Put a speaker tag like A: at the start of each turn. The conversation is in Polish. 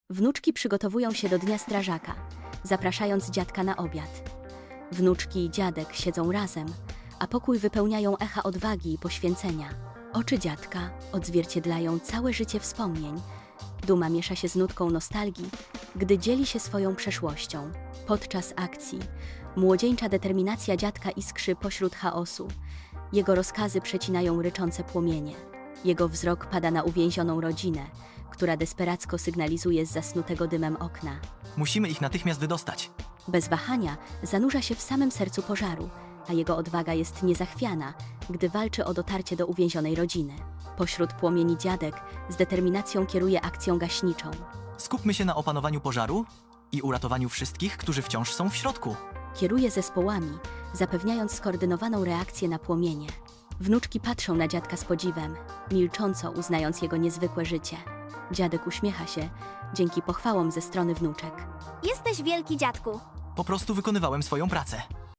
A: Wnuczki przygotowują się do Dnia Strażaka, zapraszając dziadka na obiad. Wnuczki i dziadek siedzą razem, a pokój wypełniają echa odwagi i poświęcenia. Oczy dziadka odzwierciedlają całe życie wspomnień. Duma miesza się z nutką nostalgii, gdy dzieli się swoją przeszłością. Podczas akcji młodzieńcza determinacja dziadka iskrzy pośród chaosu. Jego rozkazy przecinają ryczące płomienie. Jego wzrok pada na uwięzioną rodzinę, która desperacko sygnalizuje z zasnutego dymem okna.
B: Musimy ich natychmiast wydostać.
A: Bez wahania zanurza się w samym sercu pożaru, a jego odwaga jest niezachwiana, gdy walczy o dotarcie do uwięzionej rodziny. Pośród płomieni dziadek z determinacją kieruje akcją gaśniczą.
B: Skupmy się na opanowaniu pożaru i uratowaniu wszystkich, którzy wciąż są w środku.
A: Kieruje zespołami, zapewniając skoordynowaną reakcję na płomienie. Wnuczki patrzą na dziadka z podziwem, milcząco uznając jego niezwykłe życie. Dziadek uśmiecha się, dzięki pochwałom ze strony wnuczek.
C: Jesteś wielki, dziadku.
B: Po prostu wykonywałem swoją pracę.